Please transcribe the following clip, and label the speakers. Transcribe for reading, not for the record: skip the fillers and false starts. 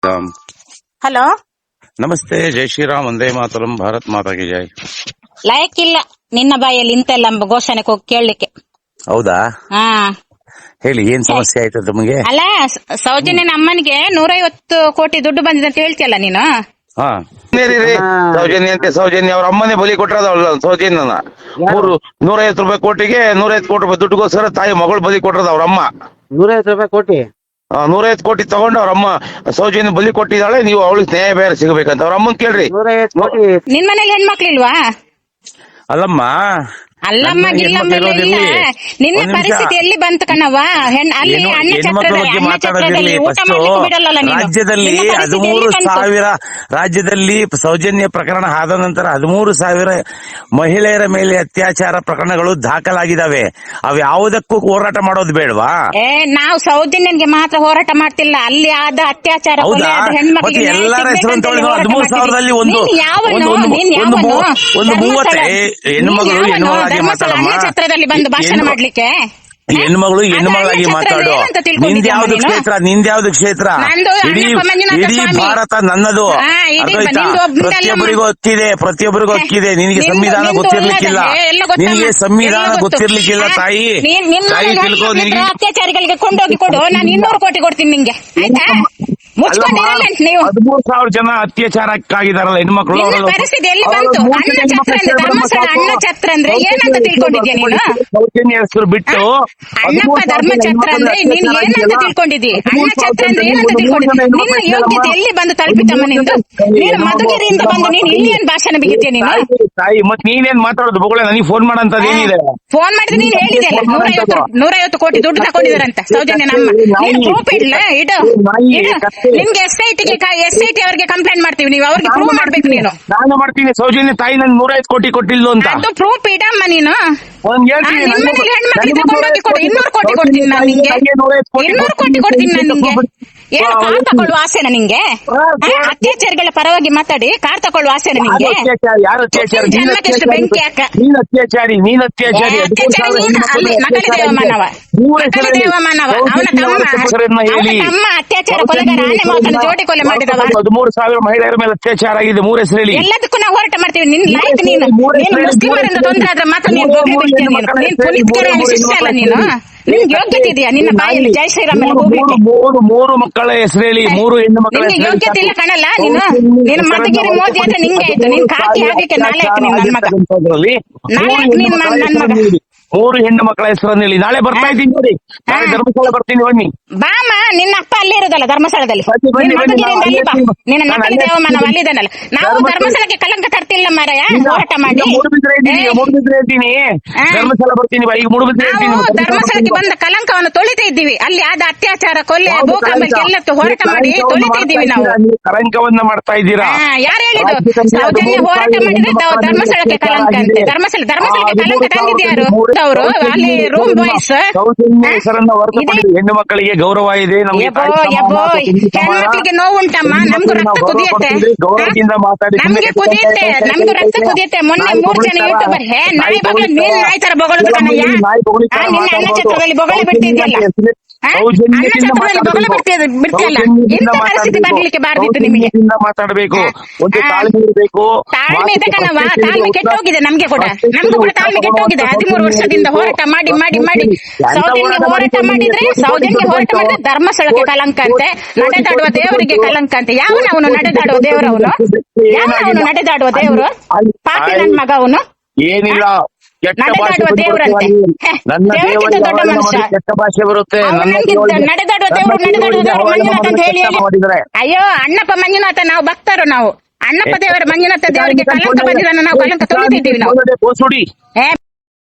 Speaker 1: Ram.
Speaker 2: Hello,
Speaker 1: ನಮಸ್ತೆ. ಜೈ ಶ್ರೀರಾಮ್, ವಂದೇ ಮಾತರಂ, ಭಾರತ್ ಮಾತಾ ಕಿ ಜೈ.
Speaker 2: ಲಾಯಕ್ ಇಲ್ಲ ನಿನ್ನ ಬಾಯಲ್ಲಿ ಇಂತೆಲ್ಲ ಘೋಷಣೆ ಕೇಳಲಿಕ್ಕೆ.
Speaker 1: ಹೌದಾ?
Speaker 2: ಹಾ,
Speaker 1: ಹೇಳಿ, ಏನ್ ಸಮಸ್ಯೆ ಆಯ್ತು ತಮಗೆ?
Speaker 2: ಅಲ್ಲ, ಸೌಜನ್ಯನ ಅಮ್ಮನಿಗೆ 150 ಕೋಟಿ ದುಡ್ಡು ಬಂದಿದೆ ಅಂತ ಹೇಳ್ತಿಯಲ್ಲ ನೀನು.
Speaker 1: ಹಾ, ಸೌಜನ್ಯ ಅಂತೆ. ಸೌಜನ್ಯ ಅವ್ರ ಅಮ್ಮನೇ ಬಲಿ ಕೊಟ್ಟರದ ಸೌಜನ್ಯನ. 150 ರೂಪಾಯಿ ಕೋಟಿಗೆ 150 ಕೋಟಿ ರೂಪಾಯಿ ದುಡ್ಡುಗೋಸ್ಕರ ತಾಯಿ ಮಗಳು ಬಲಿ ಕೊಟ್ಟರದ ಅವ್ರ ಅಮ್ಮ.
Speaker 3: 150 ರೂಪಾಯಿ ಕೋಟಿ
Speaker 1: 150 ಕೋಟಿ ತಗೊಂಡು ಅವ್ರ ಅಮ್ಮ ಸೌಜನ್ಯ ಬಲಿ ಕೊಟ್ಟಿದ್ದಾಳೆ. ನೀವು ಅವಳಿಗೆ ನ್ಯಾಯ ಬೇರೆ ಸಿಗಬೇಕಂತ ಅವ್ರ ಅಮ್ಮನ್ ಕೇಳ್ರಿ.
Speaker 3: 150 ಕೋಟಿ.
Speaker 2: ನಿನ್ ಮನೇಲಿ ಹೆಣ್ಮಕ್ಳಿಲ್ವಾ?
Speaker 1: ಅಲ್ಲಮ್ಮ,
Speaker 2: ಅಲ್ಲಮ್ಮ ಗಿಲ್ಲಮ್ಮ ಇಲ್ಲ. ನಿನ್ನ ಪರಿಸ್ಥಿತಿ ಎಲ್ಲಿ ಬಂತು ಕಣವ್ವ? ಅಲ್ಲಿ ಅಣ್ಣ ಛತ್ರದಲ್ಲಿ ಊಟ ಮಾಡ್ಲಿಕ್ಕೆ ಬಿಡಲ್ಲ ನೀನು.
Speaker 1: ರಾಜ್ಯದಲ್ಲಿ 13,000 ರಾಜ್ಯದಲ್ಲಿ ಸೌಜನ್ಯ ಪ್ರಕರಣ ಆದ ನಂತರ 13,000 ಮಹಿಳೆಯರ ಮೇಲೆ ಅತ್ಯಾಚಾರ ಪ್ರಕರಣಗಳು ದಾಖಲಾಗಿದ್ದಾವೆ. ಅವು ಯಾವುದಕ್ಕೂ ಹೋರಾಟ ಮಾಡೋದು ಬೇಡವಾ?
Speaker 2: ನಾವು ಸೌಜನ್ಯನ್ಗೆ ಮಾತ್ರ ಹೋರಾಟ ಮಾಡ್ತಿಲ್ಲ, ಅಲ್ಲಿ ಆದ ಅತ್ಯಾಚಾರ
Speaker 1: ಮತ್ತೆ ಎಲ್ಲರ ಹೆಸರು 13,000ದಲ್ಲಿ ಒಂದು 30 ಹೆಣ್ಮಗಳು
Speaker 2: ಛತ್ರದಲ್ಲಿ ಬಂದು ಭಾಷಣ ಮಾಡ್ಲಿಕ್ಕೆ.
Speaker 1: ಹೆಣ್ಮಗಳು ಹೆಣ್ಮಗಳಾಗಿ ಮಾತಾಡು. ನಿಂದ್ಯಾವ್ದು ಕ್ಷೇತ್ರ? ನಿಂದ್ಯಾವ್ದು ಕ್ಷೇತ್ರ? ಇಡೀ ಭಾರತ ನನ್ನದು. ಪ್ರತಿಯೊಬ್ಬರಿಗೂ ಹಕ್ಕಿದೆ. ನಿನಗೆ ಸಂವಿಧಾನ ಗೊತ್ತಿರ್ಲಿಕ್ಕಿಲ್ಲ. ನಿನಗೆ ಸಂವಿಧಾನ ಗೊತ್ತಿರ್ಲಿಕ್ಕಿಲ್ಲ ತಾಯಿ. ತಿಳ್ಕೊ. ನಿನಗೆ
Speaker 2: ಅತ್ಯಾಚಾರಿಗಳಿಗೆ ಕೊಂಡೋಗಿ ಕೊಡು, ನಾನು 200 ಕೋಟಿ ಕೊಡ್ತೀನಿ ನಿಂಗೆ, ಆಯ್ತಾ?
Speaker 1: 13,000 ಜನ ಅತ್ಯಾಚಾರಕ್ಕಾಗಿದಾರಲ್ಲ ಹೆಣ್ಮಕ್ಳು.
Speaker 2: ಪರಿಸ್ಥಿತಿ ಎಲ್ಲಿ ಬಂತು? ಅಣ್ಣ ಛತ್ರ ಅಂದ್ರೆ ಧರ್ಮಸ್ಥಳ ಅಣ್ಣ ಛತ್ರ ಅಂದ್ರೆ ಏನಂತ ತಿಳ್ಕೊಂಡಿದ್ಯಾ ನೀನು?
Speaker 1: ಸೌಜನ್ಯ ಹೆಸರು ಬಿಟ್ಟು
Speaker 2: ಅಣ್ಣಪ್ಪ ಧರ್ಮ ಛತ್ರ ಅಂದ್ರೆ ನೀನ್ ಏನಂತ ತಿಳ್ಕೊಂಡಿದ್ದಿ? ಅಣ್ಣ ಛತ್ರ ಅಂದ್ರೆ ಏನಂತ ತಿಳ್ಕೊಂಡಿದ್ದಿ? ನಿನ್ನ ಯೋಗ್ಯತೆ ಎಲ್ಲಿ ಬಂದು ತಲುಪಿತಮ್ಮ ನಿಂದು? ನೀನು ಮಧುಗಿರಿಯಿಂದ ಬಂದು ನೀನು ಇಲ್ಲಿ ಏನ್ ಭಾಷಣ ಬಿಗಿತೀಯ ನೀನು?
Speaker 1: ತಾಯಿ, ಮತ್ ನೀನೇನ್ ಮಾತಾಡೋದು? ಬೊಗಳೆ ನನಗೆ ಫೋನ್ ಮಾಡಂತದ್ ಏನಿದೆ?
Speaker 2: ಫೋನ್ ಮಾಡಿದ್ರೆ ನೀನ್ ಹೇಳಿದೆಯಲ್ಲ 150 ಕೋಟಿ ದುಡ್ಡು ತಗೊಂಡಿದಾರಂತ ಸೌಜನ್ಯ ನಮ್ಮ. ನೀನು ಪ್ರೂಫ್ ಇಡ್ಲ ಇಡು. ನಿಮ್ಗೆ ಎಸ್ಐಟಿ ಅವರಿಗೆ ಕಂಪ್ಲೇಂಟ್ ಮಾಡ್ತೀವಿ, ನೀವು ಅವ್ರಿಗೆ ಪ್ರೂವ್ ಮಾಡ್ಬೇಕು. ನೀನು
Speaker 1: ನಾನು ಮಾಡ್ತೀನಿ. ಸೌಜನ್ಯ ತಾಯಿ ನನ್ 150 ಕೋಟಿ ಕೊಟ್ಟಿಲ್ಲ ಅಂತ
Speaker 2: ಅದು ಪ್ರೂಫ್ ಇಡಮ್ಮ ನೀನು. ಹೆಣ್ಮಕ್ಳಿಗೆ ತಗೊಂಡೋಗಿ ಕೊಡು, 200 ಕೋಟಿ ಕೊಡ್ತೀನಿ ನಾನು ನಿಂಗೆ. 200 ಕೋಟಿ ಕೊಡ್ತೀನಿ ನಾನು ನಿಂಗೆ. ಏನು ಕಾರ್ ತಕೊಳ್ಳುವ ಆಸೆನ ನಿಂಗೆ? ಅತ್ಯಾಚಾರಿಗಳ ಪರವಾಗಿ ಮಾತಾಡಿ ಕಾರ್ ತಕೊಳ್ಳುವ ಆಸೆನ ನಿಂಗೆ? ಜನ್ಮಕ್ಕೆಷ್ಟು ಬೆಂಕಿ ಹಾಕ. ನಕಲಿ ದೇವಮಾನವ. ಅವನ ತಮ್ಮ ಅತ್ಯಾಚಾರ ಕೊಲೆಗಾರ, ಆನೆ ಮಾತನ್ನು ಜೋಡಿ ಕೊಲೆ ಮಾಡಿದವ.
Speaker 1: 13,000 ಮಹಿಳೆಯರ ಮೇಲೆ ಅತ್ಯಾಚಾರ ಆಗಿದೆ. 3 ಹೆಸರು ಹೇಳಿ.
Speaker 2: ಎಲ್ಲದಕ್ಕೂ ನಾವು ಹೋರಾಟ ಮಾಡ್ತೀವಿ. ನಿನ್ ಲೈಕ್ ನೀನು ಮುಸ್ಲಿಮರಿಂದ ತೊಂದರೆ ಆದ್ರೆ ಮಾತ್ರ ನೀನು ಗೋಬಿ ಬಿಡ್ತೀಯ. ನೀನು ಪುನೀತ್ಕರ ಶಿಷ್ಯ ಅಲ್ಲ ನೀನು. ನಿನ್ಗೆ ಯೋಗ್ಯತೆ ಇದೆಯಾ? ನಿನ್ನ ಬಾಯಲ್ಲಿ ಜೈ ಶ್ರೀರಾಮ್ ಹೋಗ್ಲಿಕ್ಕೆ
Speaker 1: 3 ಮಕ್ಕಳ ಹೆಸರು ಹೇಳಿ. 3 ಹೆಣ್ಣು ಮಕ್ಕಳ
Speaker 2: ನಿನ್ಗೆ ಯೋಗ್ಯತೆ ಇಲ್ಲ ಕಣಲ್ಲ ನೀನು. ನೀನು ಮಧುಗಿರಿ ಮೋದಿ ಅಂದ್ರೆ ನಿಂಗೆ ಆಯ್ತು. ನೀನ್ ಕಾಕಿ ಆಗ್ಲಿಕ್ಕೆ ನಾಲ್ಕು ನೀನ್ ನನ್ನ ಮಗ. ನಾಲ್ಕು ನೀನ್ ನನ್ನ ಮಗ.
Speaker 1: 3 ಹೆಣ್ಣು ಮಕ್ಕಳ ಹೆಸರನ್ನು ಹೇಳಿ. ನಾಳೆ ಬರ್ತಾ ಇದ್ದೀನಿ ನೋಡಿ. ನಾಳೆ ಧರ್ಮಸ್ಥಳ ಬರ್ತೀನಿ, ಬನ್ನಿ.
Speaker 2: ಬಾಮ, ನಿನ್ನ ಅಪ್ಪ ಅಲ್ಲೇ ಇರೋದಲ್ಲ ಧರ್ಮಸ್ಥಳದಲ್ಲಿ. ಮಧುಗಿರಿಯಿಂದ ಅಲ್ಲಿ ಬಾ. ನಿನ್ನ ನಕಲಿ ದೇವಮಾನವ ಅಲ್ಲಿದ್ದಾನಲ್ಲ. ನಾವು ಧರ್ಮಸ್ಥಳಕ್ಕೆ ಕಲಂಕ ತರ್ತಿಲ್ಲ ಮಾರಾಯ. ಹೋರಾಟ ಮಾಡಿ
Speaker 1: ಧರ್ಮಸ್ಥಳ ಬರ್ತೀನಿ. ಈಗ
Speaker 2: ನಾವು ಧರ್ಮಸ್ಥಳಕ್ಕೆ ಬಂದ ಕಲಂಕವನ್ನು ತೊಳಿತಾ ಇದ್ದೀವಿ. ಅಲ್ಲಿ ಆದ ಅತ್ಯಾಚಾರ, ಕೊಲೆ, ಭೂಕಂಪ ಎಲ್ಲ ಹೋರಾಟ ಮಾಡಿ ತೊಳಿತಾ ಇದ್ದೀವಿ ನಾವು.
Speaker 1: ಕಲಂಕವನ್ನ ಮಾಡ್ತಾ ಇದ್ದೀರಾ?
Speaker 2: ಯಾರು ಹೇಳಿದ್ದು? ಸೌಜನ್ಯ ಹೋರಾಟ ಮಾಡಿದ್ರೆ ಧರ್ಮಸ್ಥಳಕ್ಕೆ ಕಲಂಕ ಅಂತೆ. ಧರ್ಮಸ್ಥಳಕ್ಕೆ ಕಲಂಕ ತಂದಿದ್ಯಾರು? ಅವರು ಅಲ್ಲಿ ರೂಮ್ ಬಾಯ್ಸ್.
Speaker 1: ಹೆಣ್ಣು ಮಕ್ಕಳಿಗೆ ಗೌರವ ಇದೆ.
Speaker 2: ಹೆಣ್ಮಕ್ಳಿಗೆ ನೋವು ಉಂಟಮ್ಮ. ನಮ್ಗೂ ರಕ್ತ ಕುದಿಯತ್ತೆ. ನಮ್ಗೂ ರಕ್ತ ಕುದಿಯತ್ತೆ. ಮೊನ್ನೆ 3 ಜನ ಯೂಟ್ಯೂಬರ್ ನಾಯಿ ಬಗಳ ನೀನ್ ನಾಯಿ ತರ ಬೊಗಳದು ಕಣಯ್ಯ. ನಿನ್ನ ಅಣ್ಣ ಛತ್ರದಲ್ಲಿ ಬೊಗಳೆ ಬಿಡ್ತಿದ್ಯಲ್ಲ. ಅಣ್ಣ ಛತ್ರದಲ್ಲಿ ಬೊಗಳೆ ಬಿಡ್ತಿಯಲ್ಲ. ಇಂಥ ಪರಿಸ್ಥಿತಿ ಬರ್ಲಿಕ್ಕೆ ಬಾರ್ದಿತ್ತು ನಿಮಗೆ.
Speaker 1: ಮಾತಾಡಬೇಕು,
Speaker 2: ತಾಳ್ಮೆ ಇದೆ ಕಣವ. ತಾಳ್ಮೆ ಕೆಟ್ಟೋಗಿದೆ ನಮ್ಗೆ ಕೂಡ. ನಮ್ಗೂ ಕೂಡ ತಾಳ್ಮೆ ಕೆಟ್ಟೋಗಿದೆ. 13 ವರ್ಷದಿಂದ ಹೋರಾಟ ಮಾಡಿ ಮಾಡಿ ಮಾಡಿ ಸೌಜನ್ಯ ಹೋರಾಟ ಮಾಡಿದ್ರೆ ಧರ್ಮಸ್ಥಳಕ್ಕೆ ಕಲಂಕ ಅಂತೆ. ನಡೆದಾಡುವ ದೇವರಿಗೆ ಕಲಂಕ ಅಂತೆ. ಯಾವನವನು ನಡೆದಾಡುವ ದೇವರವನು? ಯಾವನವನು ನಡೆದಾಡುವ ದೇವರು? ಪಾಪಿ ನನ್ ಮಗ ಅವನು.
Speaker 1: ಏನಿಲ್ಲ,
Speaker 2: ನಡೆದಾಡುವ ದೇವರಂತೆ. ದೇವಕ್ಕಿಂತ ದೊಡ್ಡ ಮನುಷ್ಯ. ನಡೆದಾಡುವ ದೇವರು ಮಂಜುನಾಥ ಅಂತ ಹೇಳಿ. ಅಯ್ಯೋ ಅಣ್ಣಪ್ಪ ಮಂಜುನಾಥ, ನಾವು ಭಕ್ತರು. ನಾವು ಅಣ್ಣಪ್ಪ ದೇವರ ಮಂಜುನಾಥ ದೇವರಿಗೆ ಕಲಂಕ ಬಂದಿದ್ದನ್ನು ನಾವು ಕಲಂಕ ತೊಳಿತಿದ್ದೀವಿ ನಾವು.